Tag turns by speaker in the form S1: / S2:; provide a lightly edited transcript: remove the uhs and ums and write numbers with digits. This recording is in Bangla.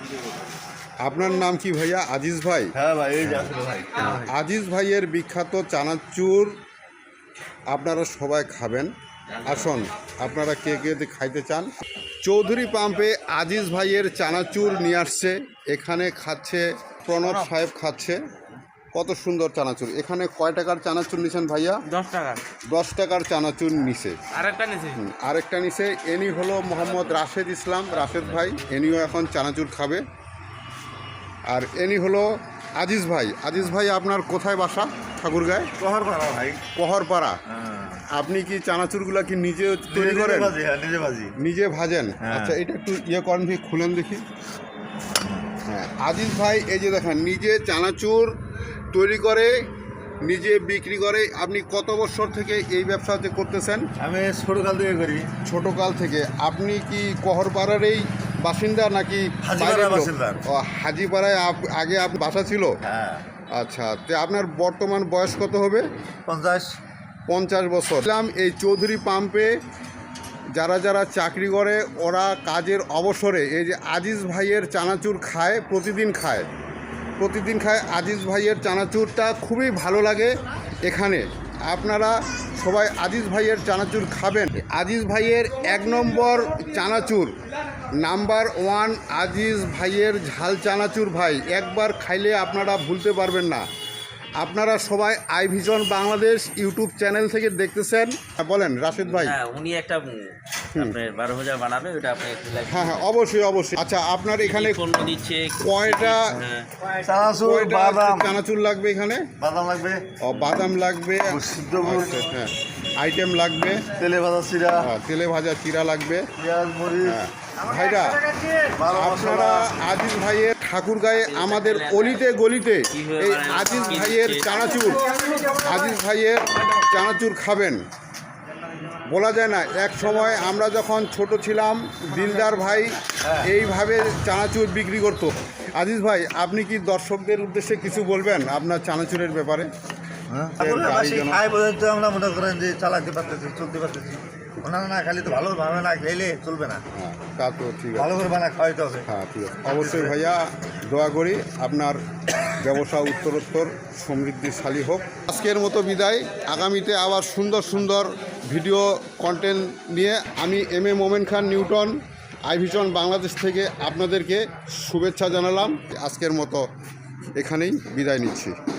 S1: আপনার নাম কি ভাইয়া? আজিজ ভাই?
S2: হ্যাঁ ভাই, এই যে ভাই
S1: আজিজ ভাইয়ের বিখ্যাত চানাচুর আপনারা সবাই খাবেন। আসুন, আপনারা কে কে খাইতে চান? চৌধুরী পাম্পে আজিজ ভাইয়ের চানাচুর নিয়ে আসছে। এখানে খাচ্ছে প্রণব সাহেব, খাচ্ছে। কত সুন্দর চানাচুর। এখানে কয় টাকার চানাচুর নিছেন ভাইয়া?
S3: 10 টাকা।
S1: 10 টাকার চানাচুর নিছে।
S3: আরেকটা
S1: নিছে। এনি হলো মোহাম্মদ রাশেদ ইসলাম, রাশেদ ভাই। এনিও এখন চানাচুর খাবে। আর এনি হলো আজিজ ভাই। আজিজ ভাই, আপনার কোথায় বাসা? ঠাকুরগাঁয়?
S2: কহরপাড়া ভাই।
S1: কহরপাড়া। আপনি কি চানাচুরগুলা কি নিজে তৈরি করেন? নিজে ভাজেন? আচ্ছা, এটা একটু করেন, খুলেন দেখি। হ্যাঁ, আজিজ ভাই এই যে দেখেন, নিজে চানাচুর তৈরি করে, নিজে বিক্রি করে। আপনি কত বছর থেকে এই ব্যবসাতে করতেছেন?
S2: আমি ছোটকাল থেকে করি।
S1: ছোটকাল থেকে। আপনি কি কহরপাড়ারই বাসিন্দা নাকি
S2: হাজিপাড়ার বাসিন্দা?
S1: হাজিপাড়ায় আগে বাসা ছিল?
S2: হ্যাঁ।
S1: আচ্ছা, তো আপনার বর্তমান বয়স কত হবে?
S2: 50
S1: বছর। এই চৌধুরী পাম্পে যারা যারা চাকরি করে, ওরা কাজের অবসরে এই যে আজিজ ভাইয়ের চানাচুর খায়, প্রতিদিন খায়। আজিজ ভাইয়ের চানাচুরটা খুবই ভালো লাগে। এখানে আপনারা সবাই আজিজ ভাইয়ের চানাচুর খাবেন। আজিজ ভাইয়ের 1 নম্বর চানাচুর, নাম্বার 1 আজিজ ভাইয়ের ঝাল চানাচুর। ভাই, একবার খাইলে আপনারা ভুলতে পারবেন না। আপনারা সবাই I Vision Bangladesh YouTube channel থেকে দেখতেছেন। বলেন রাশেদ ভাই।
S3: হ্যাঁ, উনি একটা আপনার 12 ভাজা বানাবে, ওটা আপনি একটু লাইক।
S1: হ্যাঁ, অবশ্যই। আচ্ছা, আপনার এখানে
S3: পণ্য দিচ্ছে
S1: কয়টা চানাচুর লাগবে? এখানে
S2: বাদাম লাগবে,
S1: বাদাম লাগবে,
S2: সিদ্ধ গুড়,
S1: হ্যাঁ, আইটেম লাগবে,
S2: তেলে ভাজা চিরা,
S1: তেলে ভাজা চিরা লাগবে,
S2: পেঁয়াজ মরিচ।
S1: ভাইরা, আপনারা আজিজ ভাইয়ের ঠাকুরগাঁয়ে আমাদের অলিতে গলিতে এই আজিজ ভাইয়ের চানাচুর খাবেন। বলা যায় না, এক সময় আমরা যখন ছোট ছিলাম, দিলদার ভাই এইভাবে চানাচুর বিক্রি করত। আজিজ ভাই, আপনি কি দর্শকদের উদ্দেশ্যে কিছু বলবেন আপনার চানাচুরের ব্যাপারে?
S2: আমরা মনে করেন যে চালাতে পারতেছি, চলতে পারতেছি। না খালি তো ভালোভাবে না খেলে চলবে না।
S1: হ্যাঁ, তা তো ঠিক আছে।
S2: ভালো করে বানা খাওয়াইতে হবে।
S1: হ্যাঁ, ঠিক আছে। অবশ্যই ভাইয়া, দোয়া করি আপনার ব্যবসা উত্তরোত্তর সমৃদ্ধিশালী হোক। আজকের মতো বিদায়। আগামীতে আবার সুন্দর সুন্দর ভিডিও কন্টেন্ট নিয়ে আমি Momen Khan Newton, I Vision Bangladesh থেকে আপনাদেরকে শুভেচ্ছা জানালাম। আজকের মতো এখানেই বিদায় নিচ্ছি।